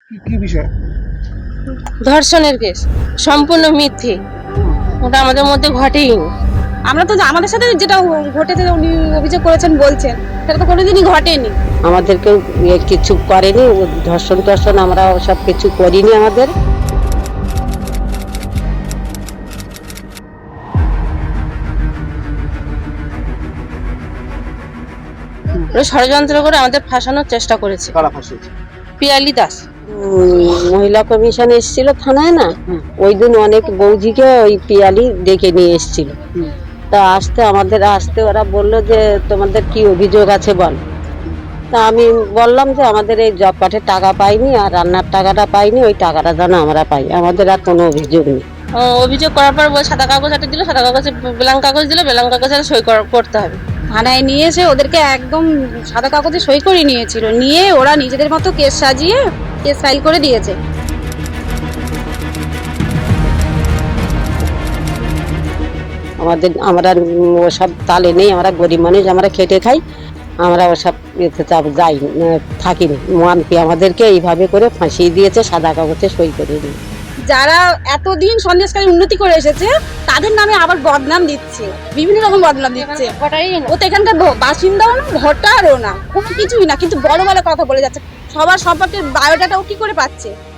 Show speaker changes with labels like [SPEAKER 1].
[SPEAKER 1] কি বিষয়?
[SPEAKER 2] ধর্ষণের কেস সম্পূর্ণ মিথ্যে, ওটা আমাদের মধ্যে ঘটেই নি।
[SPEAKER 3] আমরা তো আমাদের সাথে যেটা ঘটেছে উনি অভিযোগ করেছেন বলছেন সেটা তো কোনোদিনই ঘটেনি।
[SPEAKER 4] আমাদেরকেও কিছু করেনি, ধর্ষণ টর্ষণ আমরা সব কিছু করিনি। আমাদের
[SPEAKER 2] ওরা ষড়যন্ত্র করে আমাদের ফাঁসানোর চেষ্টা করেছে।
[SPEAKER 1] কারা ফাঁসিয়েছে?
[SPEAKER 2] পিয়ালি দাস
[SPEAKER 4] মহিলা কমিশন এসেছিল থানায় না, ওই দিন অনেক বৌজিকে ওই পিয়ালি ডেকে নিয়ে এসেছিল। তা আমাদের আসতে ওরা বললো যে তোমাদের কি অভিযোগ আছে বল। তা আমি বললাম যে আমাদের এই জব কার্ডের টাকা পাইনি আর রান্নার টাকাটা পাইনি, ওই টাকাটা যেন আমরা পাই, আমাদের আর কোনো অভিযোগ নেই।
[SPEAKER 2] অভিযোগ করার পর সাদা কাগজ একটা দিল, সাদা কাগজে ব্ল্যাঙ্ক কাগজ দিল, ব্ল্যাঙ্ক কাগজে সই করতে হবে।
[SPEAKER 3] থানায় নিয়ে এসে ওদেরকে একদম সাদা কাগজে সই করে নিয়েছিল, নিয়ে ওরা নিজেদের মতো কেস সাজিয়ে কেস ফাইল করে দিয়েছে।
[SPEAKER 4] আমরা ওসব তালে নেই, আমরা গরিব মানুষ, আমরা খেটে খাই, আমরা ওসব যাই থাকিনি। মানপি আমাদেরকে এইভাবে করে ফাঁসিয়ে দিয়েছে, সাদা কাগজে সই করে দিয়ে।
[SPEAKER 3] যারা এতদিন সন্দেশকারী উন্নতি করে এসেছে তাদের নামে আবার বদনাম দিচ্ছে, বিভিন্ন রকম বদনাম দিচ্ছে। ও তো এখানকার বাসিন্দাও না, ভোটারও না, কোনো কিছুই না, কিন্তু বড় বড় কথা বলে যাচ্ছে। সবার সম্পর্কে বায়োডাটা ও কি করে পাচ্ছে?